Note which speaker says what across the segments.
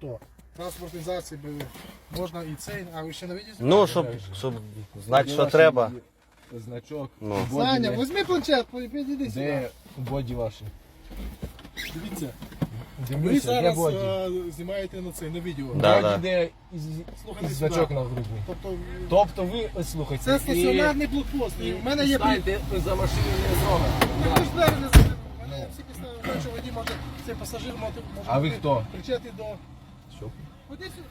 Speaker 1: то. Транспортизації можна і цей, а ви ще не видите?
Speaker 2: Ну, щоб знати, що треба.
Speaker 3: Значок.
Speaker 2: Ну.
Speaker 1: Саня, візьми планшет, підійди сюди.
Speaker 3: Де боді ваші?
Speaker 1: Дивіться, ви
Speaker 3: Дивіться, де
Speaker 1: зараз
Speaker 3: боді?
Speaker 1: знімаєте на це, на відео.
Speaker 2: Да.
Speaker 3: Боді, де
Speaker 1: Слухайте
Speaker 3: із значок
Speaker 1: сюди.
Speaker 3: на грудні.
Speaker 1: Тобто,
Speaker 3: Тобто ви, слухайте,
Speaker 1: це стаціонарний блокпост. І в мене є
Speaker 3: станьте за машиною не зробимо.
Speaker 1: Ви ж двері не закрили. У мене є всі підстави, знаю, що водій може, цей пасажир може
Speaker 3: А ви хто?
Speaker 1: кричати до...
Speaker 3: Що?
Speaker 1: Ходи сюди.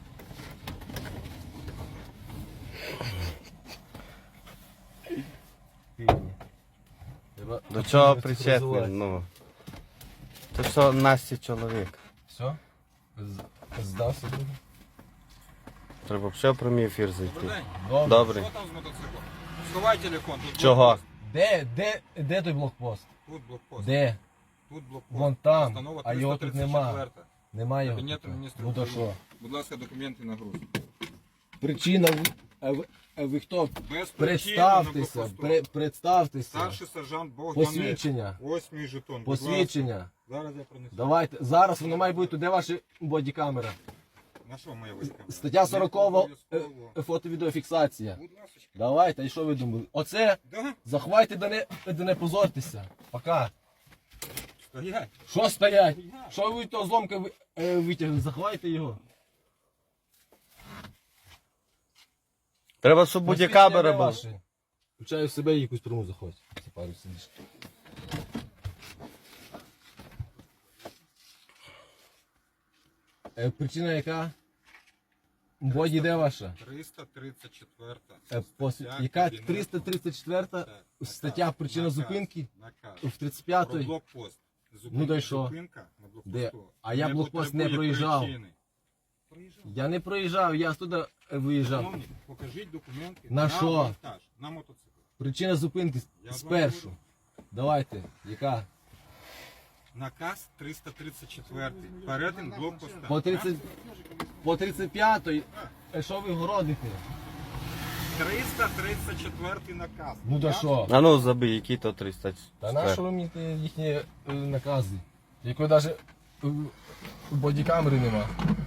Speaker 2: До чого причетний? Ну. Це що Насті чоловік.
Speaker 3: Все? Здався?
Speaker 2: Треба ще в прямий ефір зайти.
Speaker 3: Добре.
Speaker 2: Добре.
Speaker 4: Що там з мотоциклом? Сховай телефон, тут
Speaker 2: Чого?
Speaker 4: блокпост.
Speaker 3: Де той блокпост?
Speaker 4: Тут блокпост.
Speaker 3: Де?
Speaker 4: Тут блокпост.
Speaker 3: Вон там,
Speaker 4: Постанова
Speaker 3: а його тут
Speaker 4: 334.
Speaker 3: нема. Немає його.
Speaker 4: Кабінету
Speaker 3: тут.
Speaker 4: міністрів
Speaker 3: Ну то
Speaker 4: України.
Speaker 3: що?
Speaker 4: Будь ласка, документи на груз.
Speaker 3: Причина, ви хто?
Speaker 4: Без причини на
Speaker 3: Представтеся,
Speaker 4: блокпосту.
Speaker 3: представтеся.
Speaker 4: Старший сержант Богданець.
Speaker 3: Посвідчення.
Speaker 4: Ось мій жетон. Будь ласка.
Speaker 3: Посвідчення.
Speaker 4: Зараз я принесу.
Speaker 3: Давайте. Зараз воно має бути. Де ваша бодікамера?
Speaker 4: На що моя війська?
Speaker 3: Стаття 40 фото-відеофіксація.
Speaker 4: Будь ласка.
Speaker 3: Давайте, і що ви думали? Оце
Speaker 4: Да?
Speaker 3: заховайте, да не позортеся. Пока.
Speaker 4: Стоять.
Speaker 3: Що стоять? Що ви того зломка витягли? Заховайте його.
Speaker 2: Треба, щоб будь-камера була.
Speaker 3: Включаю в себе і якусь пряму заходь. Це пару сидиш. Причина яка? Боді де ваша?
Speaker 4: 334.
Speaker 3: Яка 334 стаття причина зупинки
Speaker 4: Наказ.
Speaker 3: в
Speaker 4: Про
Speaker 3: 35-ї?
Speaker 4: блокпост.
Speaker 3: Ну, да й що?
Speaker 4: Зупинка на блокпосту.
Speaker 3: Де? А я блокпост не
Speaker 4: потребує
Speaker 3: проїжджав.
Speaker 4: причини. Проїжджав.
Speaker 3: Я не проїжджав, я туди виїжджав.
Speaker 4: Шановні, покажіть документи
Speaker 3: На що?
Speaker 4: монтаж, на мотоцикл.
Speaker 3: Причина зупинки
Speaker 4: Я з вами
Speaker 3: спершу.
Speaker 4: говорю.
Speaker 3: Давайте, яка?
Speaker 4: Наказ 334. Перетин блокпоста.
Speaker 3: По 35-ї, що ви городите?
Speaker 4: 334 наказ.
Speaker 3: Ну да що?
Speaker 2: А ну забий, який то 300.
Speaker 3: Та на що ви мені їхні накази? Якої навіть бодікамери нема.